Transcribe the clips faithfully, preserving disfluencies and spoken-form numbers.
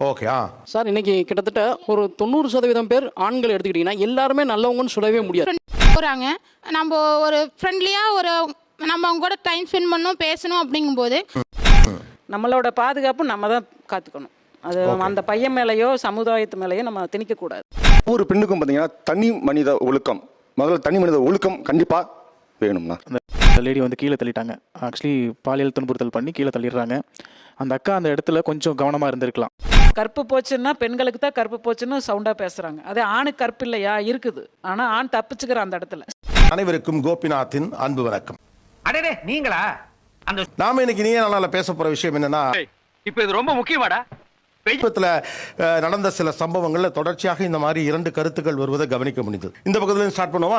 Okay. ஆ sir, இன்னைக்கு கிட்டத்தட்ட ஒரு தொண்ணூறு சதவீதம் பேர் ஆண்கள் எடுத்துக்கிட்டீங்கன்னா எல்லாருமே நல்லவங்கன்னு சொல்லவே முடியாது. போகிறாங்க, நம்ம ஒரு ஃப்ரெண்ட்லியாக ஒரு நம்ம அவங்க கூட டைம் ஸ்பெண்ட் பண்ணணும், பேசணும். அப்படிங்கும்போது நம்மளோட பாதுகாப்பு நம்ம தான் காத்துக்கணும். அது அந்த பையன் மேலேயோ சமுதாயத்து மேலேயோ நம்ம திணிக்கக்கூடாது. ஒவ்வொரு பெண்ணுக்கும் பார்த்தீங்கன்னா தனி மனித ஒழுக்கம், முதல்ல தனி மனித ஒழுக்கம் கண்டிப்பாக வேணும்னா. அந்த லேடி வந்து கீழே தள்ளிட்டாங்க. ஆக்சுவலி பாலியல் துன்புறுத்தல் பண்ணி கீழே தள்ளிடுறாங்க. அந்த அக்கா அந்த இடத்துல கொஞ்சம் கவனமாக இருந்திருக்கலாம். கற்பு போச்சுன்னா பெண்களுக்கு தான் கற்பு போச்சுன்னு சவுண்டாக பேசுகிறாங்க. அதே ஆணுக்கு கற்பு இல்லையா? இருக்குது. ஆனால் ஆண் தப்பிச்சுக்கிற அந்த இடத்துல. அனைவருக்கும் கோபிநாத்தின் அன்பு வணக்கம். அடடே நீங்களா? அந்த நாம இன்னைக்கு நீங்க நாளால பேச போற விஷயம் என்னன்னா, இப்ப இது ரொம்ப முக்கியமாடா. சமீபத்துல நடந்த சில சம்பவங்கள்ல தொடர்ச்சியாக இந்த மாதிரி இரண்டு கருத்துக்கள் வருவதை கவனிக்க முடிந்தது. இந்த பக்கத்துல ஸ்டார்ட் பண்ணுவா.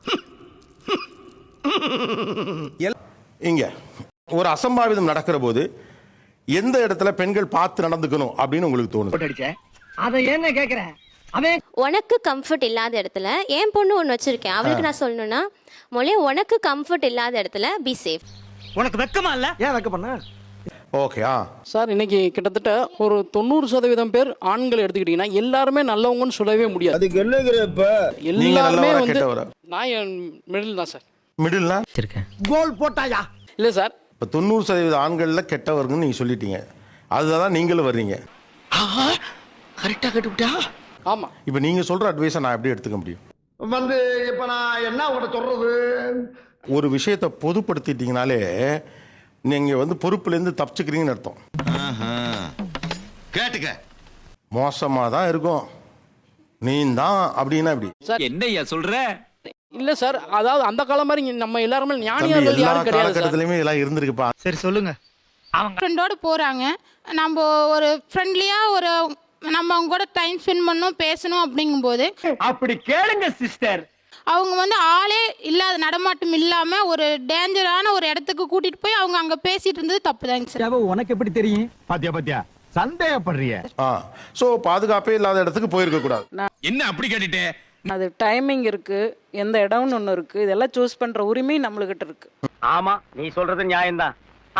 இங்க ஒரு அசம்பாவிதம் நடக்கிற போது எந்த இடத்துல பெண்கள் பார்த்து நடந்துக்கணும் அப்படின்னு உங்களுக்கு தோணுது? அதை என்ன கேக்குறேன்? உனக்கு கம்ஃபர்ட் இல்லாத இடத்துல என் பொண்ணு ஒன்று வச்சிருக்கேன், அவளுக்கு நான் சொல்லணும்னா மொழி உனக்கு கம்ஃபர்ட் இல்லாத இடத்துல பி சேஃப். உனக்கு வெக்கமா இல்ல? ஏன் வெக்க பண்ண? ஓகே. ஆ சார், இன்னைக்கு கிட்டத்தட்ட ஒரு தொண்ணூறு சதவீதம் பேர் ஆண்கள் எடுத்துக்கிட்டீங்கன்னா எல்லாருமே நல்லவங்கன்னு சொல்லவே முடியாது. அதுக்கு என்னங்கிறப்ப எல்லாருமே வந்து நான் மிடில் தான் சார். மிடில்னா கோல் போட்டாயா? இல்லை சார், இப்போ தொண்ணூறு சதவீத ஆண்கள்ல கெட்டவர்னு நீங்க சொல்லிட்டீங்க. அதுதான் நீங்களும் வர்றீங்க. கரெக்டா கட்டுவிட்டா? ஆமா. இப்போ நீங்க சொல்ற அட்வைஸை நான் எப்படி எடுத்துக்க முடியும்? வந்து இப்ப நான் என்ன உங்கள்கிட்ட சொல்றது? ஒரு விஷயத்தை பொதுப்படுத்திட்டீங்கனாலே நீங்க வந்து பொறுப்புல இருந்து தப்பிச்சுக்கிறீங்கன்னு அர்த்தம். கேட்டுக்க மோசமா தான் இருக்கும் நீ தான் அப்படின்னா எப்படி சார்? என்னையா சொல்ற? இல்ல சார், அதாவது அந்த காலம் மாதிரி நம்ம எல்லாருமே தம்பி, ஞானியார்கள் எல்லா யாரும் கிடையாது சார். காலகட்டத்திலயுமே இதெல்லாம் இருந்திருக்குப்பா. சரி சொல்லுங்க. ஃப்ரெண்டோடு போகிறாங்க, நம்ம ஒரு ஃப்ரெண்ட்லியாக ஒரு நம்ம அவங்க கூட டைம் ஸ்பெண்ட் பண்ணணும், பேசணும். அப்படிங்கும்போது அப்படி கேளுங்க சிஸ்டர். அவங்க வந்து ஆளே இல்லாத நடமாட்டம் இல்லாமல் ஒரு டேஞ்சரான ஒரு இடத்துக்கு கூட்டிகிட்டு போய் அவங்க அங்கே பேசிகிட்டு இருந்தது தப்பு தாங்க சார். உனக்கு எப்படி தெரியும்? பாத்தியா பாத்தியா சந்தேகப்படுறிய? ஆ சோ பாதுகாப்பே இல்லாத இடத்துக்கு போயிருக்க கூடாது. என்ன அப்படி கேட்டுட்டே? அது டைமிங் இருக்கு, எந்த இடம்னு ஒன்று இருக்கு. இதெல்லாம் சூஸ் பண்ற உரிமை நம்மளுக்கிட்ட இருக்கு. ஆமா, நீ சொல்றது நியாயம்தான்.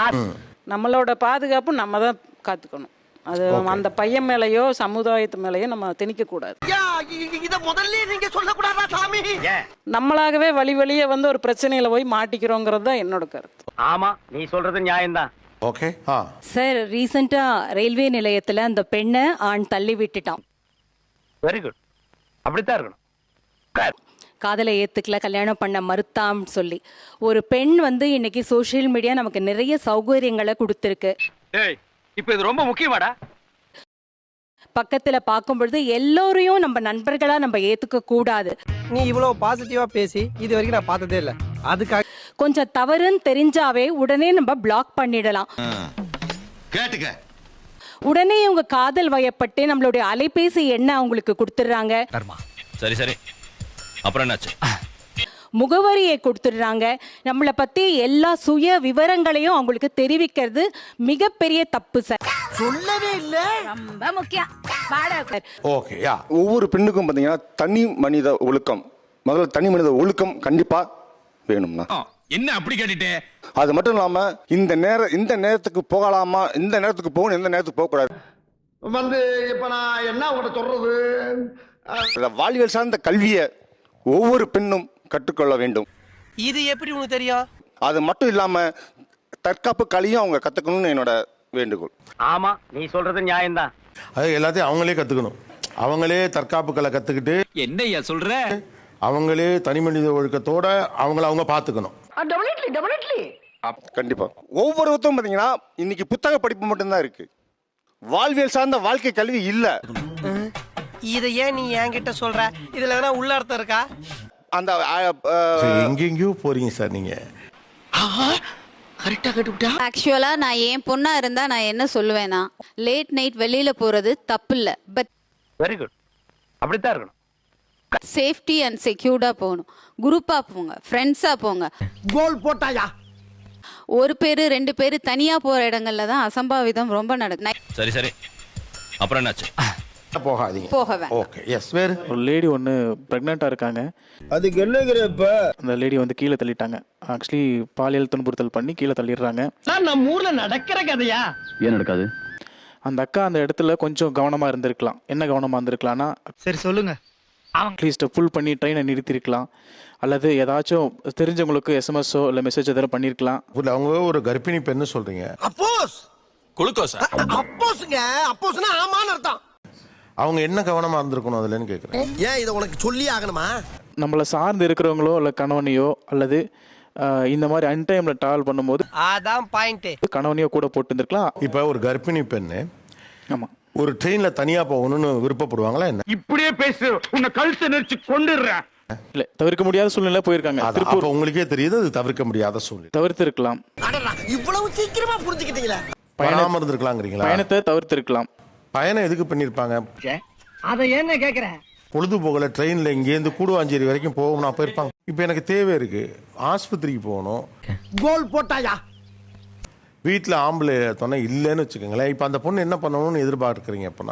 நம்மளோட பாதுகாப்பு நம்ம தான் காத்துக்கணும். அது அந்த பையன் மேலேயோ சமுதாயத்து மேலேயோ நம்ம திணிக்கக்கூடாது. இத முதல்ல நீங்க சொல்லக்கூடாதா சாமி? நம்மளாகவே வழி வழியே வந்து ஒரு பிரச்சனையில போய் மாட்டிக்கிறோங்கிறது தான் என்னோட கருத்து. ஆமா, நீ சொல்றது நியாயம்தான். ஓகே. ஆ சார், ரீசெண்டா ரயில்வே நிலையத்துல அந்த பெண்ணை ஆண் தள்ளி விட்டுட்டான். Very good. அப்படித்தான் இருக்கணும். காதலை ஏத்துக்கல, கல்யாணம் பண்ண மறுத்தான்னு சொல்லி ஒரு பெண் வந்து இன்னைக்கு சோசியல் மீடியா நமக்கு நிறைய சௌகரியங்களை கொடுத்துருக்கு. இப்ப இது ரொம்ப முக்கியமாடா. பக்கத்துல பார்க்கும் பொழுது எல்லோரையும் நம்ம நண்பர்களா நம்ம ஏத்துக்க கூடாது. நீ இவ்வளவு பாசிட்டிவா பேசி இது வரைக்கும் நான் பார்த்ததே இல்ல. அதுக்காக கொஞ்சம் தவறுன்னு தெரிஞ்சாவே உடனே நம்ம பிளாக் பண்ணிடலாம். கேட்டுக்க உடனே உங்க காதல் வயப்பட்டு நம்மளுடைய அலைபேசி எண்ணை அவங்களுக்கு கொடுத்துடுறாங்க. சரி சரி, அப்புறம் என்னாச்சு? முகவரியை கொடுத்துடுறாங்க. நம்மளை பத்தி எல்லா சுய விவரங்களையும் அவங்களுக்கு தெரிவிக்கிறது மிகப்பெரிய தப்பு சார். சொல்லவே இல்ல. ரொம்ப முக்கியம். ஓகே. யா ஒவ்வொரு பெண்ணுக்கும் பார்த்தீங்கன்னா தனி மனித ஒழுக்கம், முதல்ல தனி மனித ஒழுக்கம் கண்டிப்பாக வேணும்னா. என்ன அப்படி கேட்டுட்டே? அது மட்டும் இல்லாம இந்த நேரம் இந்த நேரத்துக்கு போகலாமா, இந்த நேரத்துக்கு போகணும், எந்த நேரத்துக்கு போகக்கூடாது. வந்து இப்ப நான் என்ன உங்கள்கிட்ட சொல்றது? வாழ்வியல் சார்ந்த கல்வியை ஒவ்வொரு பெண்ணும் கற்றுக்கொள்ள வேண்டும். இது எப்படி உனக்கு தெரியும்? அது மட்டும் இல்லாம தற்காப்பு கலையும் அவங்க கத்துக்கணும்னு என்னோட வேண்டுகோள். ஆமா, நீ சொல்றது நியாயம்தான். அது எல்லாத்தையும் அவங்களே கத்துக்கணும். அவங்களே தற்காப்பு கலை கத்துக்கிட்டு என்னையா சொல்ற? அவங்களே தனி மனித ஒழுக்கத்தோட அவங்கள அவங்க பாத்துக்கணும். கண்டிப்பா ஒவ்வொருத்தரும் பாத்தீங்கன்னா இன்னைக்கு புத்தக படிப்பு மட்டும்தான் இருக்கு, வாழ்வியல் சார்ந்த வாழ்க்கை கல்வி இல்ல. இதை ஏன் நீ என்கிட்ட சொல்ற? இதுல எதனா உள்ள அர்த்தம் இருக்கா? அந்த எங்கெங்கயோ போறீங்க சார் நீங்க. ஆக்சுவலா நான் என் பொண்ணா இருந்தா நான் என்ன சொல்லுவேன்னா, லேட் நைட் வெளியில போறது தப்பு இல்ல, பட் வெரி குட். அப்படித்தான் இருக்கணும். சேஃப்டி அண்ட் செக்யூர்டா போகணும். குரூப்பா போங்க, ஃப்ரெண்ட்ஸா போங்க. கோல் போட்டாயா? ஒரு பேரு ரெண்டு பேரு தனியா போற இடங்கள்ல தான் அசம்பாவிதம் ரொம்ப நடக்கும். சரி சரி, அப்புறம் என்னாச்சு? போகாதீங்க. போக வேண்டாம். ஓகே. எஸ். வேறு ஒரு லேடி ஒன்று ப்ரெக்னெண்ட்டாக இருக்காங்க. அதுக்கு என்னங்கிறப்ப அந்த லேடி வந்து கீழே தள்ளிட்டாங்க. ஆக்சுவலி பாலியல் துன்புறுத்தல் பண்ணி கீழே தள்ளிடுறாங்க. நம்ம ஊர்ல நடக்கிற கதையா? ஏன் நடக்காது? அந்த அக்கா அந்த இடத்துல கொஞ்சம் கவனமாக இருந்திருக்கலாம். என்ன கவனமாக இருந்திருக்கலாம்னா, சரி சொல்லுங்க. அட்லீஸ்ட் புல் பண்ணி ட்ரெயினை நிறுத்திருக்கலாம், அல்லது ஏதாச்சும் தெரிஞ்சவங்களுக்கு எஸ்எம்எஸ்ஸோ இல்லை மெசேஜ் எதாவது பண்ணியிருக்கலாம். இல்ல, அவங்க ஒரு கர்ப்பிணி பெண்ணு சொல்றீங்க. அப்போஸ் குளுக்கோஸா? அப்போஸ்ங்க அப்போஸ்னா ஆமான்னு அர்த்தம். அவங்க என்ன கவனமா இருந்திருக்கணும் அதுலன்னு கேக்குறேன். ஏன் இதை உனக்கு சொல்லி ஆகணுமா? நம்மளை சார்ந்து இருக்கிறவங்களோ இல்லை கணவனையோ அல்லது ஆஹ், இந்த மாதிரி அன்டைமில் ட்ராவல் பண்ணும்போது அதான் பாயிண்ட். கணவனையோ கூட போட்டு இருந்திருக்கலாம். இப்ப ஒரு கர்ப்பிணி பெண்ணு ஆமாம், ஒரு ட்ரெயின்ல தனியா போகணும்னு விருப்பப்படுவாங்களா என்ன? இப்படியே பேசு, உன்னை கழுத்தை நெரிச்சு கொண்டுடுறேன். இல்லை தவிர்க்க முடியாத சூழ்நிலை போயிருக்காங்க. அது திருப்பூர் அப்ப உங்களுக்கே தெரியுது அது தவிர்க்க முடியாத சூழ்நிலை. தவிர்த்து இருக்கலாம். அடடா, இவ்வளவு சீக்கிரமா புரிஞ்சுக்கிட்டீங்களா? பயணம் இருந்திருக்கலாங்கிறீங்களா? பயணத்தை தவிர்த்து இருக்கலாம். பயணம் எதுக்கு பண்ணிருப்பாங்க? அதை என்ன கேக்குற? பொழுதுபோகல ட்ரெயின்ல இங்கேருந்து கூடுவாஞ்சேரி வரைக்கும் போகணும் போயிருப்பாங்க. இப்போ எனக்கு தேவை இருக்கு, ஆஸ்பத்திரிக்கு போகணும், கோல் போட்டாயா? வீட்டில் ஆம்பளை துணை இல்லைன்னு வச்சுக்கோங்களேன். இப்போ அந்த பொண்ணு என்ன பண்ணணும்னு எதிர்பார்க்குறீங்க? அப்பனா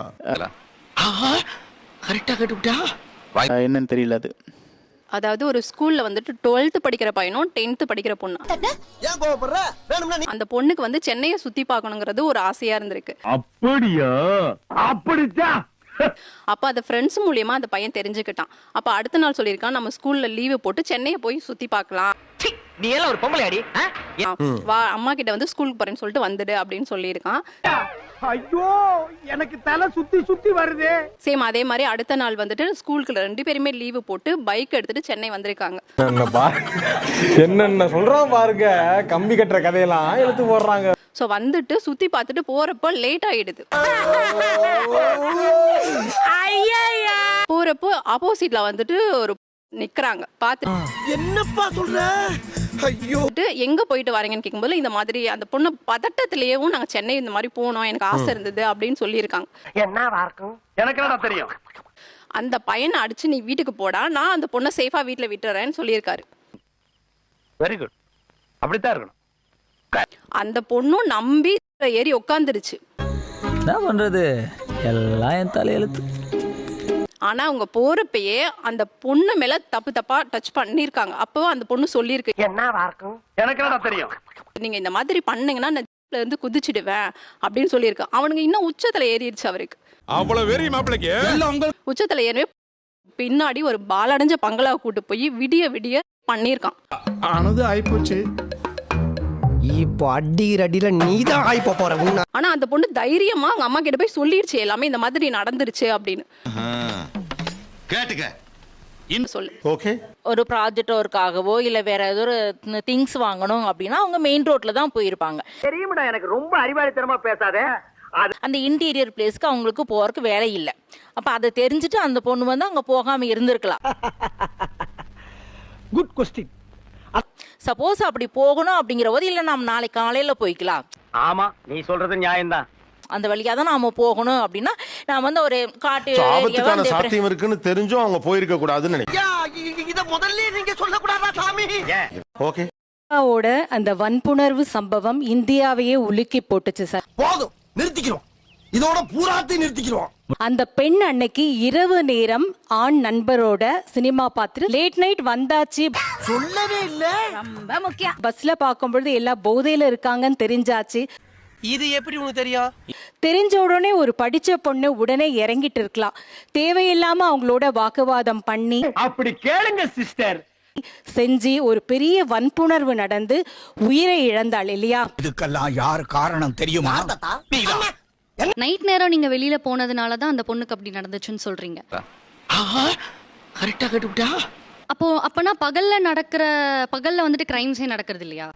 கரெக்டா கட்டுவிட்டா? ஆஹ், என்னன்னு தெரியல அது. அதாவது ஒரு ஸ்கூல்ல வந்துட்டு டுவெல்த் படிக்கிற பையனும் டென்த் படிக்கிற பொண்ணு, ஏன் கோவப்படுற? வேணும்னா நீ அந்த பொண்ணுக்கு வந்து சென்னையை சுத்தி பார்க்கணுங்கிறது ஒரு ஆசையா இருந்திருக்கு. அப்படியா? அப்படித்தான். அப்ப அந்த ஃப்ரெண்ட்ஸ் மூலியமா அந்த பையன் தெரிஞ்சுக்கிட்டான். அப்ப அடுத்த நாள் சொல்லியிருக்கான், நம்ம ஸ்கூல்ல லீவு போட்டு சென்னையை போய் சுத்தி பார்க்கலாம், நீ எல்லாம் ஒரு பொம்பளை அடி. வா அம்மா கிட்ட வந்து ஸ்கூலுக்கு போறேன்னு சொல்லிட்டு வந்துடு அப்படின்னு சொல்லியிருக்கான். ஐயோ, எனக்கு தலை சுத்தி சுத்தி வருது. சேம் அதே மாதிரி அடுத்த நாள் வந்துட்டு ஸ்கூலுக்கு ரெண்டு பேருமே லீவு போட்டு பைக் எடுத்துட்டு சென்னை வந்திருக்காங்க. என்னென்ன சொல்றான் பாருங்க, கம்பி கட்டுற கதையெல்லாம் எடுத்து போடுறாங்க. ஸோ வந்துட்டு சுத்தி பார்த்துட்டு போறப்போ லேட் ஆயிடுது. போறப்போ ஆப்போசிட்ல வந்துட்டு ஒரு நிக்கிறாங்க பார்த்து, என்னப்பா சொல்ற? ஐயோ, எங்க போயிட்டு வரீங்கன்னு கேட்கும்போது இந்த மாதிரி அந்த பொண்ணு பதட்டத்திலேயும் நாங்க சென்னை இந்த மாதிரி போனோம், எனக்கு ஆசை இருந்தது அப்படின்னு சொல்லியிருக்காங்க. என்னவா இருக்கும்? எனக்கு என்னடா தெரியும்? அந்த பையனை அடிச்சு நீ வீட்டுக்கு போடா, நான் அந்த பொண்ணை சேஃபா வீட்டுல விட்டுறேன்னு சொல்லியிருக்காரு. Very good. அப்படித்தான் இருக்கணும். அந்த பொண்ணும் நம்பி ஏறி உட்காந்துருச்சு. என்ன பண்றது, எல்லாம் என் தலையெழுத்து. ஆனா அவங்க போறப்பயே அந்த பொண்ணு மேல தப்பு தப்பா டச் பண்ணிருக்காங்க. அப்போ அந்த பொண்ணு சொல்லியிருக்கு, என்னவா இருக்கும்? எனக்கு என்னடா தெரியும்? நீங்க இந்த மாதிரி பண்ணீங்கன்னா நான் ஜீப்ல இருந்து குதிச்சிடுவேன் அப்படின்னு சொல்லியிருக்கு. அவனுங்க இன்னும் உச்சத்துல ஏறிடுச்சு அவருக்கு. அவ்வளவு வெறி மாப்பிளைக்கு உச்சத்துல ஏறவே பின்னாடி ஒரு பாலடைஞ்ச பங்களா கூட்டு போய் விடிய விடிய பண்ணிருக்கான். ஆனது ஆயிப்போச்சு. இப்போ அடிக்கிற அடியில நீதான் ஆயிப்போ போற. ஆனா அந்த பொண்ணு தைரியமா அவங்க அம்மா கிட்ட போய் சொல்லிடுச்சு எல்லாமே இந்த மாதிரி நடந்துருச்சு அப்படின்னு. கேட்டுக்க சொல்லு. ஓகே, ஒரு ப்ராஜெக்ட் ஒர்க்காகவோ இல்லை வேற ஏதோ ஒரு திங்ஸ் வாங்கணும் அப்படின்னா அவங்க மெயின் ரோட்ல தான் போயிருப்பாங்க. தெரியுமாடா, எனக்கு ரொம்ப அறிவாளித்தனமா பேசாத. அந்த இன்டீரியர் பிளேஸ்க்கு அவங்களுக்கு போறதுக்கு வேலை இல்லை. அப்ப அதை தெரிஞ்சுட்டு அந்த பொண்ணு வந்து அங்க போகாம இருந்திருக்கலாம். Good question. சப்போஸ் அப்படி போகணும் அப்படிங்கிற போது இல்லை நம்ம நாளைக்கு காலையில போய்க்கலாம், ஆமா, நீ சொல்றது நியாயம்தான். அந்த வழியா தான் நாம போகணும் அப்படின்னா நான் வந்து ஒரு காட்டு So, ஆபத்துக்கான சாத்தியம் இருக்குன்னு தெரிஞ்சும் அவங்க போயிருக்க கூடாதுன்னு நினைக்கிறேன். இத முதல்ல நீங்க சொல்லக்கூடாதா சாமி? ஓகே, ஓட அந்த வன்புணர்வு சம்பவம் இந்தியாவையே உலுக்கி போட்டுச்சு சார். போதும், நிறுத்திக்கிறோம். இதோட பூராத்தையும் நிறுத்திக்கிறோம். அந்த பெண் அன்னைக்கு இரவு நேரம் ஆண் நண்பரோட சினிமா பார்த்துட்டு லேட் நைட் வந்தாச்சு. சொல்லவே இல்ல. ரொம்ப முக்கியம். பஸ்ல பார்க்கும்பொழுது எல்லா போதையில இருக்காங்கன்னு தெரிஞ்சாச்சு. இது எப்படி உனக்கு தெரியும்? தெரிஞ்ச உடனே ஒரு படிச்ச பொண்ணு உடனே இறங்கிட்டு இருக்கலாம். தேவையில்லாம அவங்களோட வாக்குவாதம் பண்ணி அப்படி கேளுங்க சிஸ்டர். செஞ்சு ஒரு பெரிய வன்புணர்வு நடந்து உயிரை இழந்தாள் இல்லையா? இதுக்கெல்லாம் யார் காரணம் தெரியுமா? நைட் நேரம் நீங்க வெளியில போனதுனால தான் அந்த பொண்ணுக்கு அப்படி நடந்துச்சுன்னு சொல்றீங்க. கரெக்டா கட்டுவிட்டா? அப்போ அப்பனா பகல்ல நடக்கிற பகல்ல வந்துட்டு கிரைம்ஸே நடக்கிறது இல்லையா?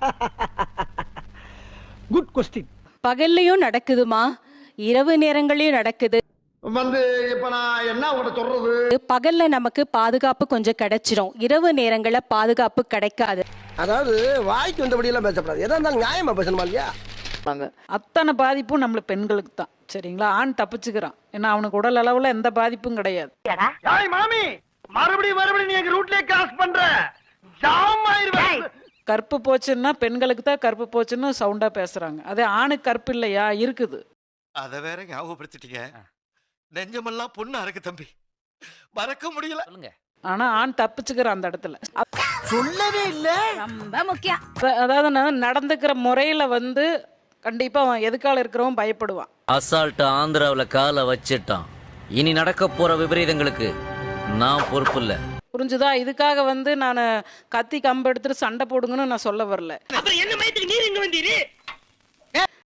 Good question. பகல்லையும் நடக்குதுமா, இரவு நேரங்களையும் நடக்குது. வந்து இப்ப நான் என்ன உங்கள்ட்ட சொல்றது? பகல்ல நமக்கு பாதுகாப்பு கொஞ்சம் கிடைச்சிரும், இரவு நேரங்கள்ல பாதுகாப்பு கிடைக்காது. அதாவது வாய்க்கு வந்தபடி எல்லாம் பேசப்படாது. எதா இருந்தாலும் நியாயமா பேசணுமா இல்லையா? அத்தனை பாதிப்பும் நம்மள பெண்களுக்கு தான். சரிங்களா? ஆண் தப்பிச்சுக்கிறான், ஏன்னா அவனுக்கு உடல் அளவுல எந்த பாதிப்பும் கிடையாது. மாமி, மறுபடியும் மறுபடியும் நீ எங்க ரூட்லயே கிராஸ் பண்ற. ஜாம் ஆயிருவேன். கற்பு போச்சுன்னா பெண்களுக்கு தான் கற்பு போச்சுன்னு சவுண்டா பேசுறாங்க. அதே ஆணுக்கு கற்பு இல்லையா? இருக்குது. அத வேற ஞாபகப்படுத்திட்டீங்க. நெஞ்சமெல்லாம் பொண்ணா இருக்கு தம்பி, மறக்க முடியல. ஆனா ஆண் தப்பிச்சுக்கிறான் அந்த இடத்துல. சொல்லவே இல்ல. ரொம்ப முக்கியம். அதாவது நான் நடந்துக்கிற முறையில வந்து கண்டிப்பாக அவன் எதுக்கால இருக்கிறவன் பயப்படுவான். அசால்ட் ஆந்திராவில் காலை வச்சிட்டான். இனி நடக்க போற விபரீதங்களுக்கு நான் பொறுப்பு இல்லை. புரிஞ்சுதா? இதுக்காக வந்து நான் கத்தி கம்பு எடுத்துட்டு சண்டை போடுங்கன்னு நான் சொல்ல வரல. அப்புறம் என்ன மயத்துக்கு நீர் இங்க வந்தீரு?